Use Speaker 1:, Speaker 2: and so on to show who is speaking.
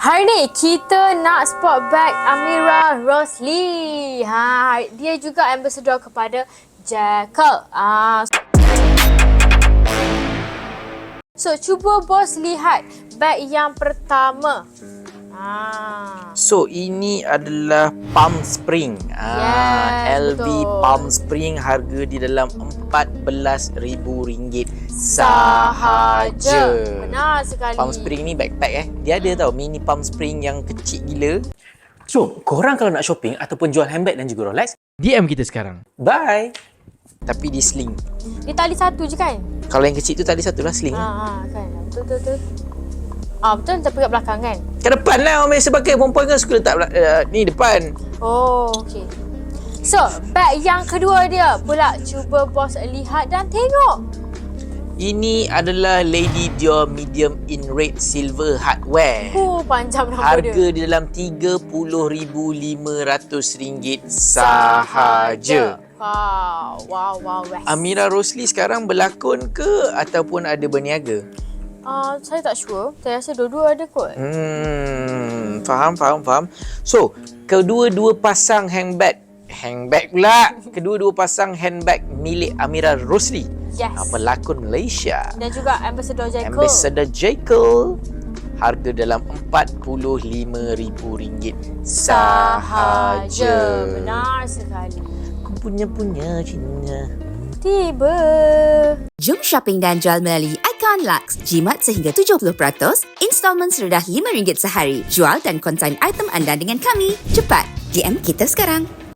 Speaker 1: Hari ni kita nak spot bag Amira Rosli. Dia juga ambassador kepada Jekyll. So, cuba bos lihat bag yang pertama.
Speaker 2: So, ini adalah Palm Spring.
Speaker 1: Yes,
Speaker 2: LV
Speaker 1: betul.
Speaker 2: Palm Spring, harga di dalam RM14,000 sahaja.
Speaker 1: Benar sekali.
Speaker 2: Palm Spring ni backpack Dia ada tau mini Palm Spring yang kecil gila. So, korang kalau nak shopping ataupun jual handbag dan juga Rolex, DM kita sekarang. Bye. Tapi di sling.
Speaker 1: Dia tali satu je kan?
Speaker 2: Kalau yang kecil tu tadi satu lah sling.
Speaker 1: Kan. Betul. Betul, tapi kat belakang kan?
Speaker 2: Ke depan lah orang biasa pakai. Perempuan kan suka letak ni depan.
Speaker 1: Oh, okey. So, bag yang kedua dia pula cuba bos lihat dan tengok.
Speaker 2: Ini adalah Lady Dior Medium in Red Silver Hardware.
Speaker 1: Panjang nama
Speaker 2: Harga
Speaker 1: dia.
Speaker 2: di dalam RM30,500 sahaja.
Speaker 1: Wow.
Speaker 2: Amira Rosli sekarang berlakon ke ataupun ada berniaga?
Speaker 1: Saya tak sure. Saya rasa dua-dua ada kot.
Speaker 2: Faham. So, kedua-dua pasang handbag pula. Kedua-dua pasang handbag milik Amira Rosli.
Speaker 1: Yes.
Speaker 2: Pelakon Malaysia.
Speaker 1: Dan juga ambassador Jekyll.
Speaker 2: Ambassador Jekyll. Harga dalam RM45,000 sahaja.
Speaker 1: Benar sekali.
Speaker 2: Aku punya Cina.
Speaker 1: Tiba.
Speaker 3: Jom shopping dan jual melalui Icon Lux. Jimat sehingga 70%, installment serendah RM5 sehari. Jual dan konsign item anda dengan kami. Cepat, DM kita sekarang.